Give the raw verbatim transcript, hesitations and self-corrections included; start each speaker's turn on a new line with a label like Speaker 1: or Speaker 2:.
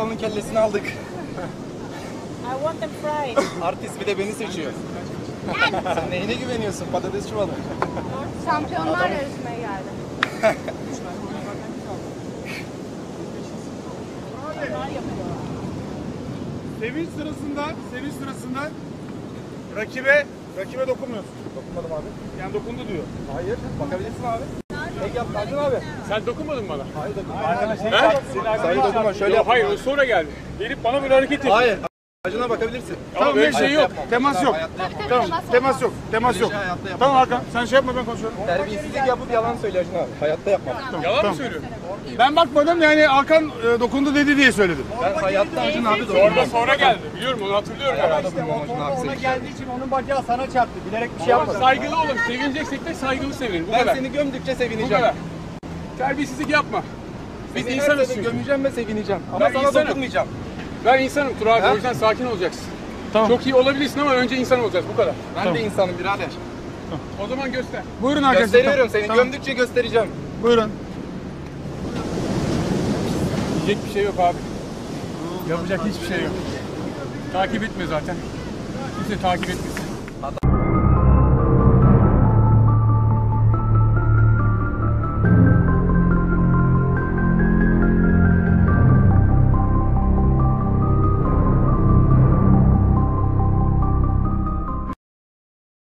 Speaker 1: aslanın kellesini aldık.
Speaker 2: I want them fried.
Speaker 1: Artist bir de beni seçiyor. Sen neyine güveniyorsun? Patates çuvalı.
Speaker 2: Şampiyonlar yarışmaya geldim.
Speaker 3: Sevinç sırasında, sevinç sırasında rakibe, rakibe dokunmuyorsun.
Speaker 1: Dokunmadım abi.
Speaker 3: Yani dokundu diyor.
Speaker 1: Hayır. Bakabilirsin abi. Tek yap Acun abi.
Speaker 3: Sen dokunmadın bana.
Speaker 1: Hayır dokunma.
Speaker 3: He?
Speaker 1: Sayı dokunma. Şöyle yap.
Speaker 3: Hayır, o sonra geldi. Gelip bana böyle hareket etti.
Speaker 1: Hayır. Acun'a bakabilirsin.
Speaker 3: Tamam, böyle şey yok.
Speaker 1: Yapmam.
Speaker 3: Temas yok.
Speaker 1: Hayatta yapmam.
Speaker 3: Tamam, temas yok. Temas yok.
Speaker 1: Hayatta yapmam.
Speaker 3: Tamam Hakan, sen şey yapma, ben konuşuyorum.
Speaker 1: Terbiyesizlik yapıp yalan söyle Acun abi. Hayatta yapmam.
Speaker 3: Yalan mı söylüyorsun? Ben bakmadım, yani Hakan e, dokundu dedi diye söyledim.
Speaker 1: Ben hayatta Acun abi
Speaker 3: Sonra
Speaker 1: dokunmam.
Speaker 3: sonra geldi. Biliyorum, onu hatırlıyorum.
Speaker 1: Hayatta dokunmam Acun abi.
Speaker 4: Ona
Speaker 1: senin.
Speaker 4: geldiği için onun bacağı sana çarptı. Bilerek bir şey
Speaker 3: Ama
Speaker 4: yapmadı.
Speaker 3: saygılı olun. Sevineceksek de saygılı sevinelim. Bu
Speaker 1: Ben
Speaker 3: kadar.
Speaker 1: seni gömdükçe
Speaker 3: Bu
Speaker 1: sevineceğim.
Speaker 3: kadar. Terbiyesizlik yapma. Biz
Speaker 1: Seni
Speaker 3: insanız
Speaker 1: her sene
Speaker 3: çünkü.
Speaker 1: gömeceğim ve sevineceğim. Ama
Speaker 3: Ben
Speaker 1: sana
Speaker 3: insanım.
Speaker 1: dokunmayacağım.
Speaker 3: Ben insanım Tur abi,
Speaker 1: Ha?
Speaker 3: o yüzden sakin olacaksın.
Speaker 4: Tamam.
Speaker 3: Çok iyi olabilirsin ama önce insan olacağız, bu kadar.
Speaker 1: Ben de insanım birader.
Speaker 3: O zaman göster.
Speaker 4: Buyurun arkadaşlar.
Speaker 1: Gösteriyorum seni.
Speaker 4: Tamam.
Speaker 1: Gömdükçe göstereceğim.
Speaker 4: Buyurun.
Speaker 3: Diyecek bir şey yok abi. Yapacak hiçbir şey yok. Takip etme zaten. Kimse takip etmesin.